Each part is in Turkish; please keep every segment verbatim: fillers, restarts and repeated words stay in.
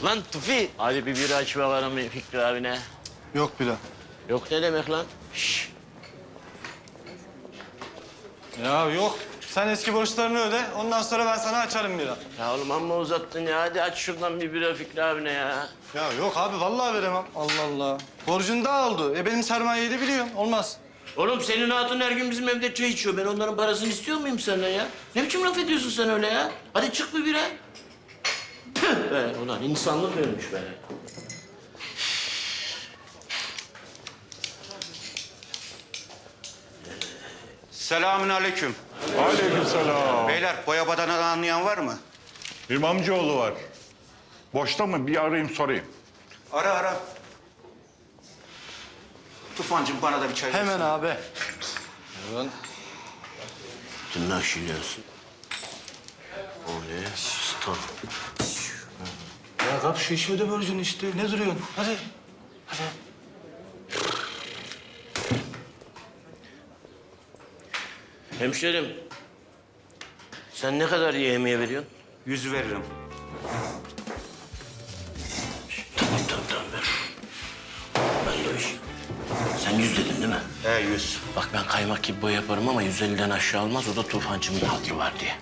Lan Tufi. Hadi bir bira aç bakalım Fikri abine. Yok bile. Yok ne demek lan? Şşş. Ya yok. Sen eski borçlarını öde. Ondan sonra ben sana açarım bira. Ya oğlum amma uzattın ya. Hadi aç şuradan bir bira Fikri abine ya. Ya yok abi vallahi veremem. Allah Allah. Borcun daha oldu. E benim sermayeyi de biliyorsun. Olmaz. Oğlum senin hatun her gün bizim evde çay içiyor. Ben onların parasını istiyor muyum senden ya? Ne biçim laf ediyorsun sen öyle ya? Hadi çık bir bira. Tüh be ulan insanlık ölmüş be. Selamünaleyküm. Aleykümselam. Beyler boya badanadan anlayan var mı? İmamcıoğlu var. Boşta mı? Bir arayayım sorayım. Ara ara. Tufancığım bana da bir çay Hemen versene. abi. Hemen. Tırnaşılıyorsun. O ne? Stop. Ya kap şu işi öde borcunu işte. Ne duruyorsun? Hadi. Hadi. Hemşerim. Sen ne kadar yemeğe veriyorsun? Yüz veririm. Tamam tamam tamam ver. Ben de o iş. Sen yüz dedin değil mi? He yüz. Bak ben kaymak gibi boy yaparım ama yüz elliden aşağı olmaz. O da Tufancımın hatırı var diye.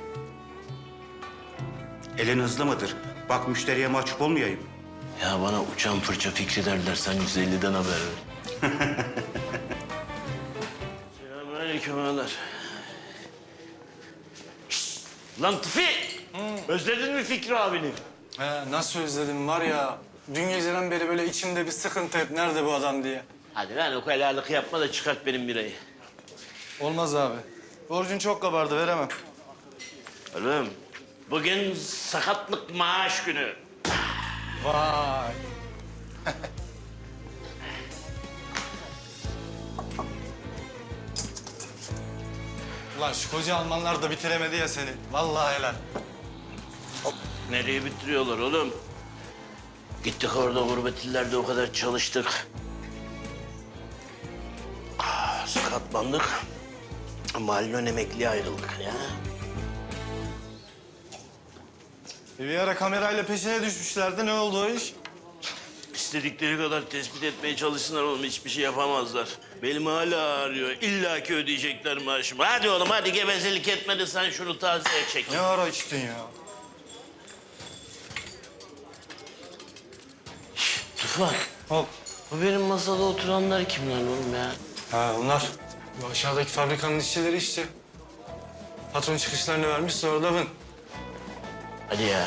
Elin hızlı mıdır? Bak müşteriye mahcup olmayayım. Ya bana uçan fırça Fikri derler. Sen yüz elliden haber ver. Selamünaleyküm ağalar. Şşt! Lan Tufi! Özledin mi Fikri abini? He, nasıl özledim var ya. Dün geceden beri böyle içimde bir sıkıntı hep. Nerede bu adam diye. Hadi lan o helallik yapma da çıkart benim birayı. Olmaz abi. Borcun çok kabardı. Veremem. Oğlum bugün sakatlık maaş günü. Vay. Ulan şu koca Almanlar da bitiremedi ya seni. Vallahi helal. Nereye bitiriyorlar oğlum? Gittik orada gurbet illerde o kadar çalıştık. Ah, sakatlandık. Mahallon emekliye ayrıldık ya. Bir ara kamerayla peşine düşmüşlerdi. Ne oldu o iş? İstedikleri kadar tespit etmeye çalışsınlar oğlum. Hiçbir şey yapamazlar. Belim hala ağrıyor. İlla ki ödeyecekler maaşımı. Hadi oğlum hadi gevezelik etme de sen şunu tazeye çek. Ne ara içtin ya? Tufan. Hop. Bu benim masada oturanlar kimler oğlum ya? Ha onlar. Bu aşağıdaki fabrikanın işçileri işte. Patron çıkışlarını vermiş sonra da ben. Hadi ya.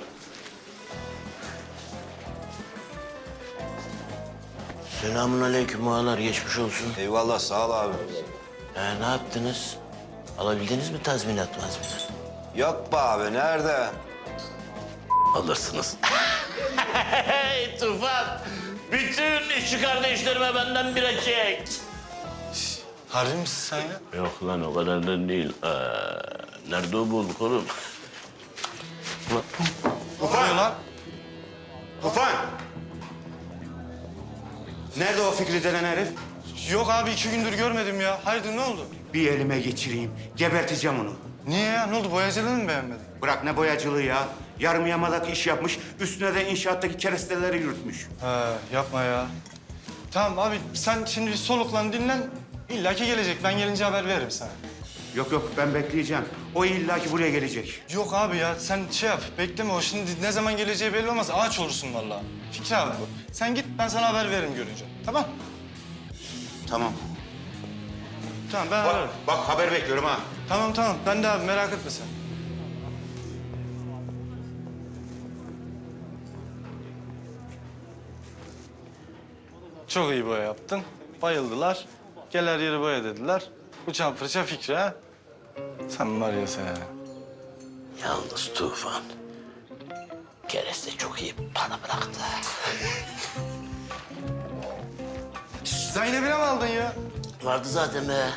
Selamun aleyküm ağalar, geçmiş olsun. Eyvallah, sağ ol abi. Ya ne yaptınız? Alabildiniz mi tazminat mazminat? Yok be abi, nerede? Alırsınız. Hey Tufan! Bütün işçi kardeşlerime benden bira çek. Harbi misin sen ya? Yok lan o kadar da değil. Ee, nerede o bulduk oğlum? Ne oluyor lan? Tufan! Nerede o Fikri denen herif? Yok abi iki gündür görmedim ya. Hayırdır ne oldu? Bir elime geçireyim. Geberteceğim onu. Niye ya? Ne oldu? Boyacılığını mı beğenmedin? Bırak ne boyacılığı ya. Yarım yamalak iş yapmış. Üstüne de inşaattaki keresteleri yürütmüş. He yapma ya. Tamam abi sen şimdi bir soluklan dinlen. İlla ki gelecek. Ben gelince haber veririm sana. Yok yok ben bekleyeceğim. O illaki buraya gelecek. Yok abi ya sen şey yap. Bekleme o şimdi ne zaman geleceği belli olmaz. Ağaç olursun vallahi. Fikri abi bu. Sen git ben sana haber veririm görünce. Tamam? Tamam. Tamam ben ararım. Bak, bak haber bekliyorum ha. Tamam tamam ben de abi merak etme sen. Çok iyi boya yaptın. Bayıldılar. Gel her yeri boya dediler. Uçan fırça Fikri ha. Sen var ya sen. Yalnız Tufan. Kereste çok iyi bana bıraktı. Zeynep'ine mi aldın ya? Vardı zaten be.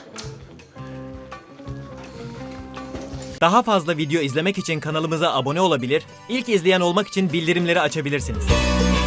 Daha fazla video izlemek için kanalımıza abone olabilir, ilk izleyen olmak için bildirimleri açabilirsiniz.